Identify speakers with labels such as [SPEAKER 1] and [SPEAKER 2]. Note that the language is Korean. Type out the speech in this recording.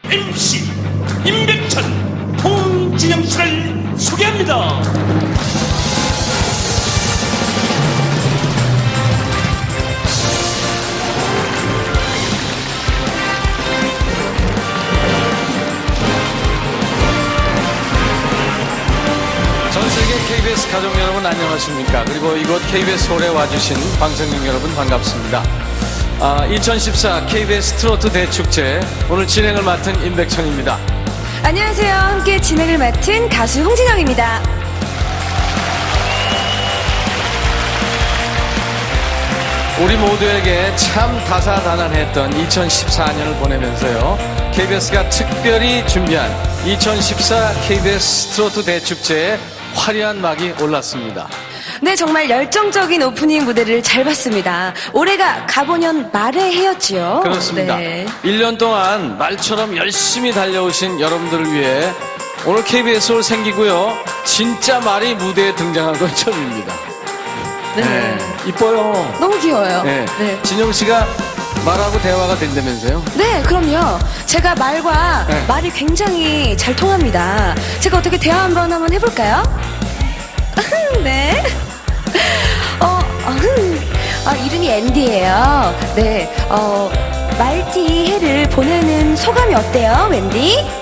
[SPEAKER 1] MC 임백천, 홍진영 씨를 소개합니다.
[SPEAKER 2] 전세계 KBS 가족 여러분 안녕하십니까. 그리고 이곳 KBS 홀에 와주신 방청객 여러분 반갑습니다. 2014 KBS 트로트 대축제 오늘 진행을 맡은 임백천입니다.
[SPEAKER 3] 안녕하세요. 함께 진행을 맡은 가수 홍진영입니다.
[SPEAKER 2] 우리 모두에게 참 다사다난했던 2014년을 보내면서요, KBS가 특별히 준비한 2014 KBS 트로트 대축제에 화려한 막이 올랐습니다.
[SPEAKER 3] 네, 정말 열정적인 오프닝 무대를 잘 봤습니다. 올해가 가보년 말의 해였지요.
[SPEAKER 2] 그렇습니다.
[SPEAKER 3] 네.
[SPEAKER 2] 1년 동안 말처럼 열심히 달려오신 여러분들을 위해 오늘 KBS 홀 생기고요, 진짜 말이 무대에 등장한 건 처음입니다.
[SPEAKER 3] 네.
[SPEAKER 2] 이뻐요.
[SPEAKER 3] 너무 귀여워요.
[SPEAKER 2] 네.
[SPEAKER 3] 네.
[SPEAKER 2] 진영 씨가 말하고 대화가 된다면서요?
[SPEAKER 3] 네, 그럼요. 제가 말과
[SPEAKER 2] 네.
[SPEAKER 3] 말이 굉장히 잘 통합니다. 제가 어떻게 대화 한번 해볼까요? 네. 이름이 앤디예요. 네. 말띠 해를 보내는 소감이 어때요, 웬디?